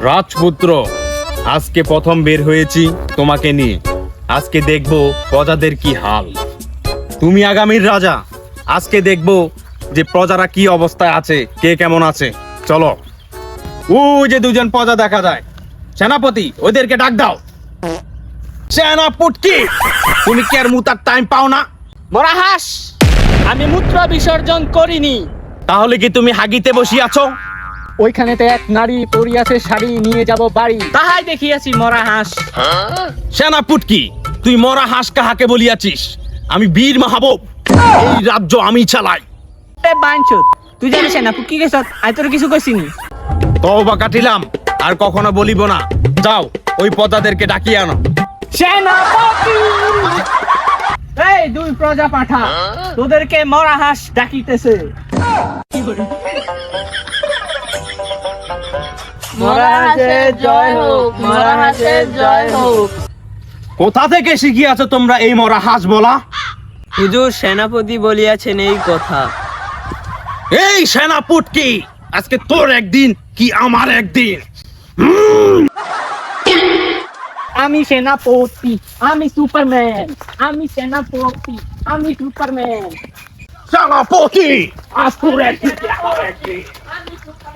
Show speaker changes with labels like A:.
A: রাজপুত্র, আজকে প্রথম বের হয়েছি তোমাকে নিয়ে। আজকে দেখবো প্রজাদের কি হাল। তুমি আগামীর রাজা, আজকে দেখবো যে প্রজারা কি অবস্থায় আছে, কে কেমন আছে। চলো। ওই যে দুজন প্রজা দেখা যায়। সেনাপতি, ওদেরকে ডাক দাও। সেনাপতি, তুমি কি আর মুতার টাইম পাও না?
B: মরা হাঁস, আমি মূত্র বিসর্জন করিনি।
A: তাহলে কি তুমি হাগিতে বসিয়াছো?
B: ওইখানেতে এক নারী পরিয়াছে, শাড়ি নিয়ে যাব বাড়ি, তাহাই দেখিয়াছি মরা হাঁস।
A: সেনাপতি, তুই মরা হাঁস কাহাকে বলিয়াছিস? আমি বীর মাহবুব, এই রাজ্য আমি চালাই।
B: বাঞ্চুত, তুই জানিস না কি গেছ? আই তোর কিছু কইছিনি।
A: তওবা কাটিলাম, আর কখনো বলিব না। যাও, ওই প্রজাদেরকে ডাকিয়ে আনো।
B: সেনাপতি, এই দুই প্রজা পাঠা, তোদেরকে মরা হাঁস ডাকিতেছে। মরা হাঁসের জয় হোক, মরা হাঁসের জয় হোক।
A: কোথা থেকে শিখিয়াছো তোমরা এই মরা হাঁস বলা?
B: হুজুর, সেনাপতি বলিয়াছেন এই কথা।
A: এই সেনাপতি, আজকে তোর একদিন কি আমার একদিন।
B: আমি সেনাপতি, আমি সুপারম্যান, আমি সেনাপতি, আমি সুপারম্যান।
A: সেনাপতি, আজ তোর একদিন কি আমার একদিন।
B: আমি সুপারম্যান।